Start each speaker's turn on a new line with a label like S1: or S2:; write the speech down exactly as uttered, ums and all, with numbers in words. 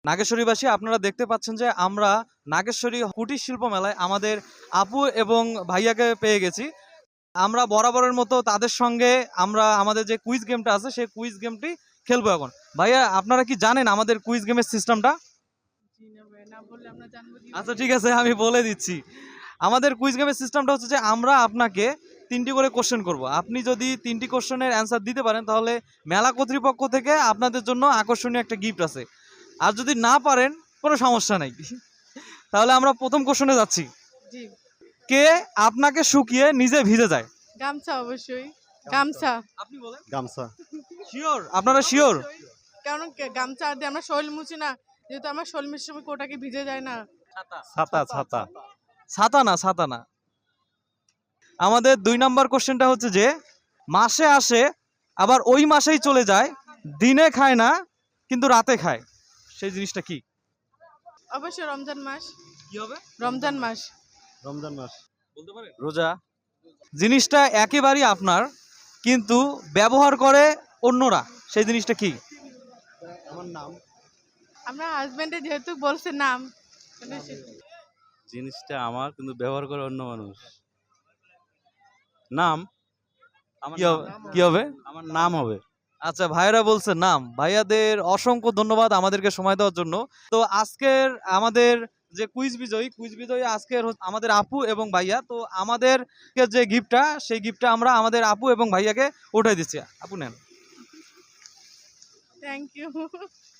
S1: নাগেশ্বরীবাসী, আপনারা দেখতে পাচ্ছেন যে আমরা নাগেশ্বরী কুটির শিল্প মেলায় আমাদের আপু এবং ভাইয়াকে পেয়ে গেছি। আমরা বরাবরের মতো তাদের সঙ্গে আমরা আমাদের যে কুইজ গেমটা আছে সেই কুইজ গেমটি খেলবো এখন। ভাইয়া, আপনারা কি জানেন আমাদের কুইজ গেমের সিস্টেমটা? আচ্ছা ঠিক আছে, আমি বলে দিচ্ছি। আমাদের কুইজ গেমের সিস্টেমটা হচ্ছে যে আমরা আপনাকে তিনটি করে কোশ্চেন করব। আপনি যদি তিনটি কোশ্চেনের অ্যান্সার দিতে পারেন তাহলে মেলা কর্তৃপক্ষ থেকে আপনাদের জন্য আকর্ষণীয় একটা গিফট আছে। আর যদি না পারেন কোনো সমস্যা নাই। তাহলে আমরা প্রথম কোশ্চেনে যাচ্ছি।
S2: জি।
S1: কে আপনাকে শুকিয়ে নিজে ভিজে যায়?
S2: গামছা, অবশ্যই গামছা।
S1: আপনি বলেন।
S3: গামছা।
S1: শিওর? আপনারা শিওর?
S2: কারণ কে- গামছা দিয়ে আমরা শরীর মুছি না, যেহেতু আমার শরীর মুছার সময় কোটাকে ভিজে যায় না।
S3: ছাতা ছাতা।
S1: ছাতা না, ছাতা না। আমাদের দুই নাম্বার কোশ্চেনটা হচ্ছে যে মাসে আসে আবার ওই মাসেই চলে যায়, দিনে খায় না কিন্তু রাতে খায়, সেই জিনিসটা কি?
S2: অবশ্যই রমজান মাস।
S1: কি হবে?
S2: রমজান মাস।
S3: রমজান মাস।
S1: বলতে পারেন? রোজা। জিনিসটা একেবারেই আপনার, কিন্তু ব্যবহার করে অন্যরা, সেই জিনিসটা কি?
S3: আমার নাম।
S2: আমরা হাজবেন্ডে যেহেতু বলছে নাম, মানে সে-
S4: জিনিসটা আমার কিন্তু ব্যবহার করে অন্য মানুষ। নাম আমার
S1: কি হবে?
S4: নাম।
S1: কি হবে?
S4: আমার নাম হবে।
S1: আচ্ছা, ভাইয়েরা বলছে নাম। ভাইয়াদের অসংখ্য ধন্যবাদ আমাদেরকে সময় দেওয়ার জন্য। তো আজকের আমাদের যে কুইজ বিজয়ী কুইজ বিজয়ী আজকের হচ্ছে আমাদের আপু এবং ভাইয়া। তো আমাদের যে গিফটটা সেই গিফটটা আমরা আমাদের আপু এবং ভাইয়াকে উঠাই দিচ্ছি। আপু নেন।
S2: Thank you.